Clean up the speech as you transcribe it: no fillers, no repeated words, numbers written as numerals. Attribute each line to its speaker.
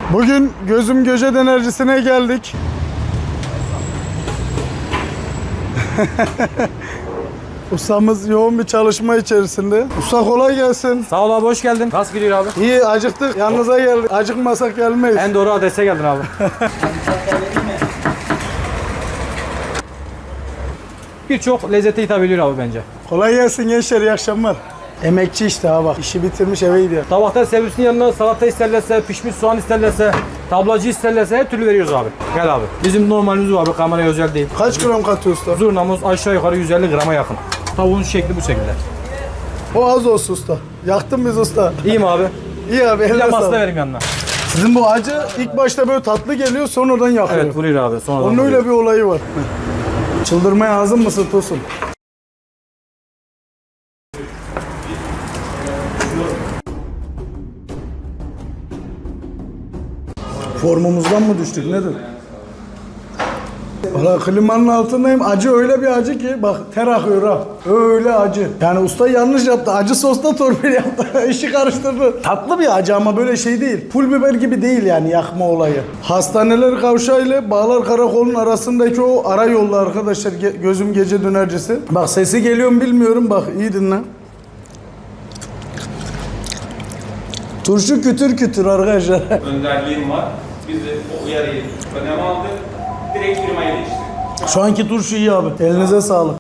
Speaker 1: Bugün Gözüm Göce Dönercisi'ne geldik. Ustamız yoğun bir çalışma içerisinde. Usta kolay gelsin.
Speaker 2: Sağ ol abi, hoş geldin. Nasıl gidiyor abi?
Speaker 1: İyi, acıktık. Yanınıza geldik. Acıkmasak gelmeyiz.
Speaker 2: En doğru adrese geldin abi. Birçok lezzete hitap ediyor abi bence.
Speaker 1: Kolay gelsin gençler, iyi akşamlar. Emekçi işte ha bak. İşi bitirmiş eve gidiyor.
Speaker 2: Tabakta servisin yanına salata isterlerse, pişmiş soğan isterlerse, tablacı isterlerse her türlü veriyoruz abi. Gel abi. Bizim normalimiz var abi, kameraya özel değil.
Speaker 1: Kaç gram katıyor usta?
Speaker 2: Zurnamız aşağı yukarı 150 grama yakın. Tavuğun şekli bu şekilde.
Speaker 1: O az olsun usta. Yaktın biz usta.
Speaker 2: İyi mi abi?
Speaker 1: İyi abi,
Speaker 2: Bir de
Speaker 1: eline
Speaker 2: masla
Speaker 1: sağlık.
Speaker 2: vereyim yanına.
Speaker 1: Sizin bu acı ilk başta böyle tatlı geliyor, sonradan yakıyor.
Speaker 2: Evet, vuruyor abi. Sonradan
Speaker 1: Onun
Speaker 2: vuruyor.
Speaker 1: öyle bir olayı var. Çıldırmaya hazır mısın Tosun? Formumuzdan mı düştük nedir? Valla klimanın altındayım. Acı öyle bir acı ki bak ter akıyor ha. Öyle acı. Yani usta yanlış yaptı. Acı sosta torpil yaptı. İşi karıştırdı. Tatlı bir acı ama böyle şey değil. Pul biber gibi değil yani yakma olayı. Hastaneler Kavşağı ile Bağlar Karakol'un arasındaki o ara yolda arkadaşlar. Gözüm Gece Dönercisi. Bak sesi geliyor mu bilmiyorum. Bak iyi dinle. Turşu kütür kütür arkadaşlar.
Speaker 3: Önderliğim var. Biz de o uyarıyı öneme aldık. Direkt firmayı değiştirdik.
Speaker 1: Şu anki turşu iyi abi. Elinize sağlık.